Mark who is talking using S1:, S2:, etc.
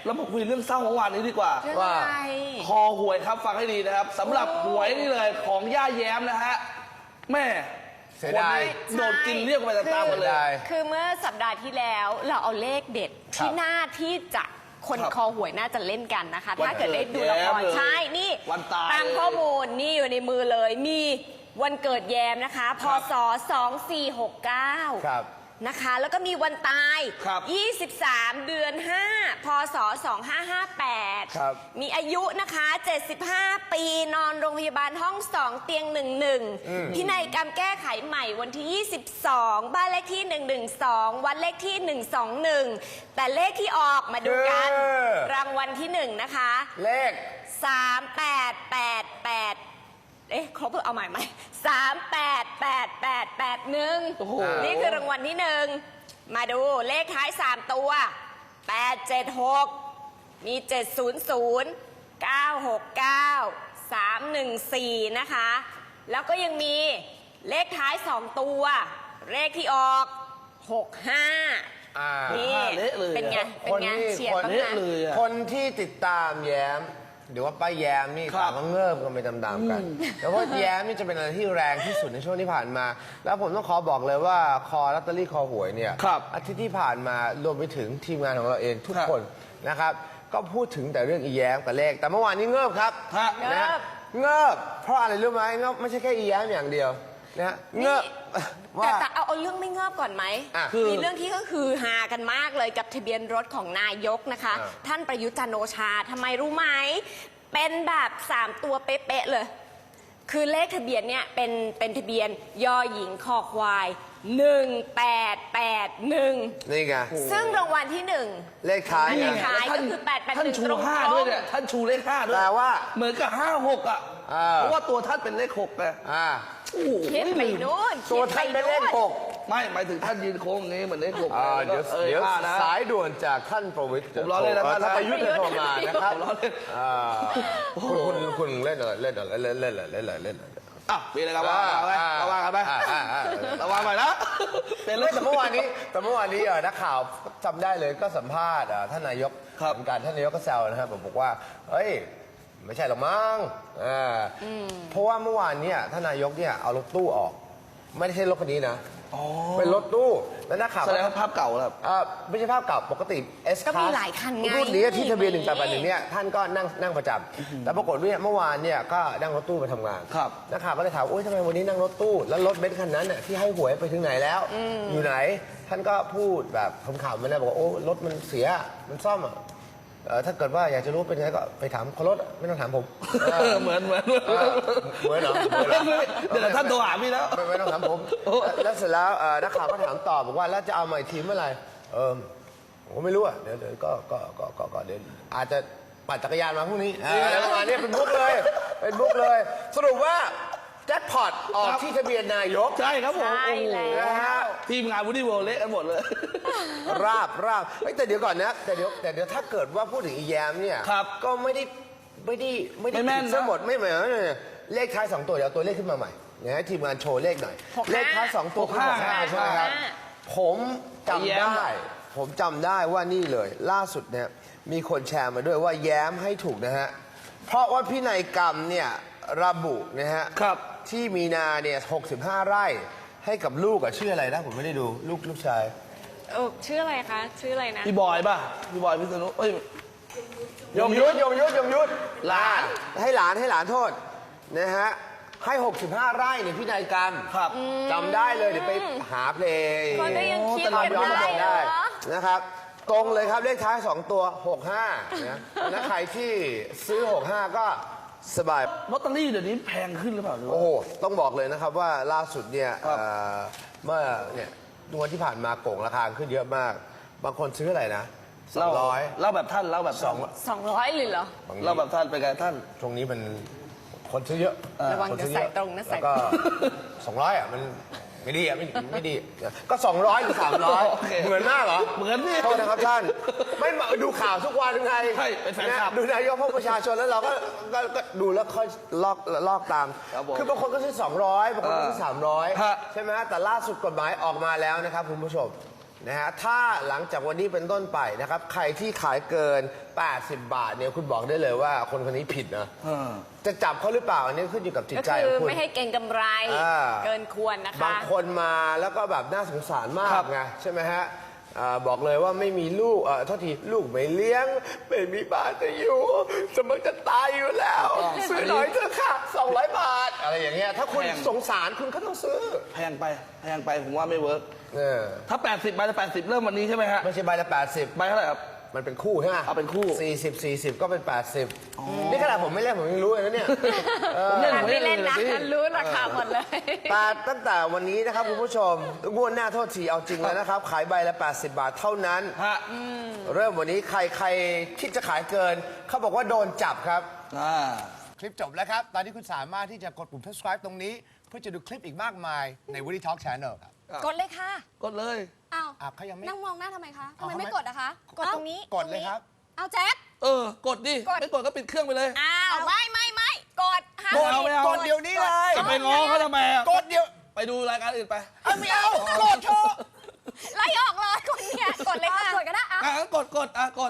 S1: เรามาคุยเรื่องเศร้าเมื่อวานนี้ดีกว่า
S2: ว่า
S1: คอหวยครับฟังให้ดีนะครับสำหรับหวยนี่เลยของย่าแย้มนะฮะแม่
S2: เสีย
S1: คน
S2: ดาย
S1: นี้โดนกินเรียกไปตามๆกันเลย
S3: คือเมื่อสัปดาห์ที่แล้วเราเอาเลขเด็ดที่น่าที่จะคน
S1: ครับ
S3: คอหวยน่าจะเล่นกันนะคะ
S1: วัน
S3: ถ้าเกิดได้ดูละคร
S1: เกิดแย้มเลย
S3: ใช่นี่
S1: วันตาย
S3: ตามข้อมูลนี่อยู่ในมือเลยมีวันเกิดแยมนะคะพศ 2469
S2: ครับ
S3: นะคะแล้วก็มีวันตาย
S1: ครับ
S3: 23 เดือน 5 พศ 2558
S2: ครับ
S3: มีอายุนะคะ 75 ปีนอนโรงพยาบาลห้อง 2 เตียง 11พินัยกรรมแก้ไขใหม่วันที่ 22 บ้านเลขที่ 112 วันเลขที่ 121 แต่เลขที่ออกมาดูกัน รางวัลที่ 1 นะคะ
S2: เลข
S3: 3888ครบเอาใหม่ไหม388881
S1: โอ้โห
S3: นี่คือรางวัลที่ 1 มาดูเลขท้าย 3 ตัว 876 มี 700 969 314 นะคะ แล้วก็ยังมีเลขท้าย 2 ตัว เลขที่ออก 65 นี่
S1: เละเลย
S3: เป็นไง เป็นไง
S2: คนที่
S3: เฉียดบ้าง
S1: เละ
S3: นะ
S1: เลยอะ
S2: คนที่ติดตามแย้มหรือว่าป้าแย้มนี่
S1: ครับ
S2: ต่างก็เงิบกันไปตามๆกันแล้วก็แย้มนี่จะเป็นอะไรที่แรงที่สุดในช่วงที่ผ่านมา แล้วผมต้องขอบอกเลยว่าคอลอตเตอรี่คอหวยเนี่ย
S1: ครับ
S2: อาทิตย์ที่ผ่านมารวมไปถึงทีมงานของเราเองทุก
S1: ครับ
S2: คนนะครับ ก็พูดถึงแต่เรื่องอีแย้มกับเลข แต่เมื่อวานนี้เงิบครับ
S1: ฮะ
S2: นะฮะเงิบเพราะอะไรรู้ไหมเงิบไม่ใช่แค่อีแย้มอย่างเดียวนะฮะเงิบว่า
S3: แต่เอาเรื่องไม่เงิบก่อนไหม
S2: อ่ะ
S3: มีเรื่องที่ก็คือฮากันมากเลยกับทะเบียนรถของนายกนะคะ
S2: อ่า
S3: ท่านประยุทธ์จันทร์โอชาทำไมรู้ไหม เป็นแบบ3ตัวเป๊ะๆเลย คือเลขทะเบียนเนี่ยเป็นทะเบียนยอหญิงคอควาย 1881
S2: นี่ไง
S3: ซึ่งรางวัลที่
S2: เลขท้าย
S3: อัน
S2: เนี่
S3: นี้
S2: ย
S3: ขายก็คือ881
S1: ท่านชู
S3: ตรงๆ
S1: ห้าด้วยเนี่ยท่านชูเลขห้าด้วย
S2: แปลว่า
S1: เหมือนกับ56อ่ะ
S2: อ่า
S1: เพราะว่าตัวท่านเป็นเลข6ไง
S2: อ่า
S1: โอ้โห
S3: คิดไปนู่น
S2: ตัวท่านเป็นเลขหก
S1: ไม่หมายถึงท่านยืนโค้งอย่างนี้เหมือนเลข6
S2: เดี๋ยวเดี๋ยว
S1: นะ
S2: สายด่วนจากท่านประวิตร
S1: ผมล้อเล่นนะ
S2: ท่านประยุทธ์จะโทรมานะครับ
S1: ผมล้อเล่น
S2: คุณเล่นอะไรเล่นอะไรเล่นอะไรเล่นอะไรเล่นอะไร
S1: อ่ะมีอะไรกันบ้างระวังกันไประวังหน่อยนะเป็น
S2: ไม่แต่เมื่อวานนี้นักข่าวจำได้เลยก็สัมภาษณ์ท่านนายก
S1: ครับ
S2: เหมือนกันท่านนายกก็แซวนะครับบอกว่าเฮ้ยไม่ใช่หรอกมั้งเพราะว่าเมื่อวานเนี่ยท่านนายกเนี่ยเอารถตู้ออก ไม่ได้ใช่รถคันนี้นะเป็นรถตู้แล้วนักข่าว
S1: แสดงว่าภาพเก่าแล้ว
S2: ไม่ใช่ภาพเก่าปกติ S
S3: ก็มีหลายคันไง
S2: รุ่นนี้ที่ทะเบียน1881เนี่ยท่านก็นั่งประจำแต่ปรากฏว่าเมื่อวานเนี่ยก็นั่งรถตู้ไปทำงาน
S1: ครับ
S2: นักข่าวก็เลยถามโอ๊ยทำไมวันนี้นั่งรถตู้แล้วรถเบนซ์คันนั้นน่ะที่ให้หวยไปถึงไหนแล้ว อยู่ไหน ท่านก็พูดแบบขำๆมานะบอกว่าโอ้รถมันเสียมันซ่อมอ่ะถ้าเกิดว่าอยากจะรู้เป็นไงก็ไปถามคนรถไม่ต้องถามผม
S1: เหมือน
S2: เหมือนเหรอ
S1: เดี๋ยวท่านโทรหาพี่แล้ว
S2: ไม่ต้องถามผม แล้วเสร็จแล้วนักข่าวก็ถามต่อบอกว่าแล้วจะเอามาอีกทีเมื่อไหร่ผมก็ไม่รู้อ่ะเดี๋ยวก็เดี๋ยวอาจจะปั่นจักรยานมาพรุ่งนี้อะไรประมาณนี้เป็นมุกเลยเป็นมุกเลย สรุปว่าแจ็คพอตออกที่ทะเบียนนายก
S1: ใช่ครับผม
S3: ใช่แล้ว
S2: นะฮะ
S1: ทีมงานวูดดี้เวิลด์เละกันหมดเลย
S2: ราบเฮ้ยแต่เดี๋ยวก่อนนะแต่เดี๋ยวถ้าเกิดว่าพูดถึงอีแยมเนี่ย
S1: ครับ
S2: ก็ไม่ได้
S1: ไม่แม่นนะ
S2: ทั้งหมดไม่เหมือนเลขท้าย2ตัวเดี๋ยวเอาตัวเลขขึ้นมาใหม่นะฮะทีมงานโชว์เลขหน่อย
S3: 65
S2: เลขท้าย2ตัวคือ65ใช่ไหมครับ ผมจำ
S1: แย้ม
S2: ได้ ผมจำได้ว่านี่เลย ล่าสุดเนี่ยมีคนแชร์มาด้วยว่าแย้มให้ถูกนะฮะเพราะว่าพินัยกรรมเนี่ยระบุนะฮะ
S1: ครับ
S2: ที่มีนาเนี่ย65 ไร่ให้กับลูกอะชื่ออะไรนะผมไม่ได้ดูลูกชาย
S3: ชื่ออะไรคะ ชื่ออะไรนะ
S1: พี่บอยป่ะพี่บอยพิษณุเอ้ย
S2: ยงยุทธ
S1: หลาน
S2: ให้หลานโทษนะฮะให้ 65 ไร่ในพินัยกรรม
S1: ครับ
S2: จำได้เลยเดี๋ยวไปหาเพลง
S3: คนก็ยังคิด
S2: ตาม
S3: กัน
S2: ย้อน
S3: ได้
S2: ไป
S3: เหร
S2: ได้
S3: อ
S2: นะครับ ตรงเลยครับเลขท้าย 2 ตัว 65นะแล้วใครที่ซื้อ 65 ก็สบาย
S1: ลอตเตอรี่เดี๋ยวนี้แพงขึ้นหรือเปล่าหรือว่า
S2: โอ้โห ต้องบอกเลยนะครับว่าล่าสุดเนี่ย
S1: ครับ
S2: เมื่อเนี่ยวันที่ผ่านมาโก่งราคาขึ้นเยอะมาก บางคนซื้ออะไรนะ
S1: เล่า
S2: 200
S1: เล่าแบบท่านเล่าแบบท่าน
S3: 200เลยเหรอ
S1: เล่าแบบท่านเป็นไงท่าน
S2: ช่วงนี้มันคนซื้อเยอะ
S3: ระวัง
S2: คนซื้อ
S3: จะ
S2: เย
S3: ใส่
S2: อะ
S3: ตรงนะใส่
S2: แล้วก็ 200อ่ะมันไม่ดีอ่ะไม่ดี ก็ 200หรือ
S1: โอเค
S2: 300 เหมือนมากเหรอ
S1: เหมือนสิ
S2: โทษนะครับท่าน ไม่มาดูข่าวทุกวันไง
S1: ใช่เป็นแฟนคลับ
S2: ดูนายกพวกประชาชนแล้วเราก็ดูแล้วค่อยลอกตาม
S1: ครับผม
S2: คือบางคนก็ซื้อ200บางคนก็ซื้อ
S1: ฮะ
S2: 300 ใช่ไหมฮะแต่ล่าสุดกฎหมายออกมาแล้วนะครับคุณผู้ชมนะฮะถ้าหลังจากวันนี้เป็นต้นไปนะครับใครที่ขายเกิน 80 บาทเนี่ยคุณบอกได้เลยว่าคนคนนี้ผิดนะ จะจับเขาหรือเปล่าอันนี้ขึ้นอยู่กับจิต
S3: ก็
S2: ใจ
S3: คื
S2: ข
S3: อ
S2: องคุณ
S3: ไม่ให้เก่งกำไร เกินควรนะคะ
S2: บางคนมาแล้วก็แบบน่าสงสารมา
S1: ครั
S2: ก
S1: บ
S2: ไงใช่ไหมฮะบอกเลยว่าไม่มีลูกโทษทีลูกไม่เลี้ยงไม่มีบ้านจะอยู่จะมันจะตายอยู่แล้วซื้อหน่อยเถอะค่ะ200 บาทอะไรอย่างเงี้ยถ้าคุณสงสารคุณก็ต้องซื้อ
S1: แพงไปผมว่าไม่เวิร์ก
S2: เออ
S1: ถ้า 80 ใบละ 80 เริ่มวันนี้ใช่ไหมฮะ
S2: ไม่ใช่ใบละ80
S1: ใบเท่าไหร่ครับ
S2: มันเป็นคู่ใช่ไหม
S1: เอาเป็นคู่
S2: 40ก็เป็น 80นี่ขนาดผมไม่เล่นผมยังรู้เลยนะเนี่ย
S1: ผมเล่น
S3: ไม่เล่นนะ
S1: สิ
S3: รู้ราคาหมดเลย
S2: แต่ตั้งแต่วันนี้นะครับคุณผู้ชมงวดหน้าโทษทีเอาจริงแล้วนะครับ ขายใบละ 80 บาทเท่านั้น
S1: ฮะ
S2: เริ่มวันนี้ใครคิดจะขายเกิน เขาบอกว่าโดนจับครับ คลิปจบแล้วครับ ตอนนี้คุณสามารถที่จะกดปุ่ม subscribe ตรงนี้ เพื่อจะดูคลิปอีกมากมายใน Woody Talk Channel ครับ
S3: กดเลยค่ะ
S1: กดเลย
S3: อ้าว
S2: เขายังไม่
S3: นั่งมองหน้าทำไมคะทำไม
S2: เอา
S3: ไม่กดอะคะ กดตรงนี้
S2: กดเลยครับ
S3: เอาแจ็ค
S1: กดดิ ไม่กดก็ปิดเครื่องไปเลย
S3: อ้าวไม่กดห้าม
S1: กดเอาไม่เอา
S2: กดเดี๋ยวนี้เลย
S1: จะไปง้อเขาทำไมอะ
S2: กดเดี๋ยว
S1: ไปดูรายการอื่นไป
S2: ไม่เอา กดเถอะ
S3: ไล่ออกเลยคนเนี่ยกดเลยค่ะ กดก็ได้
S1: งั้นกดกด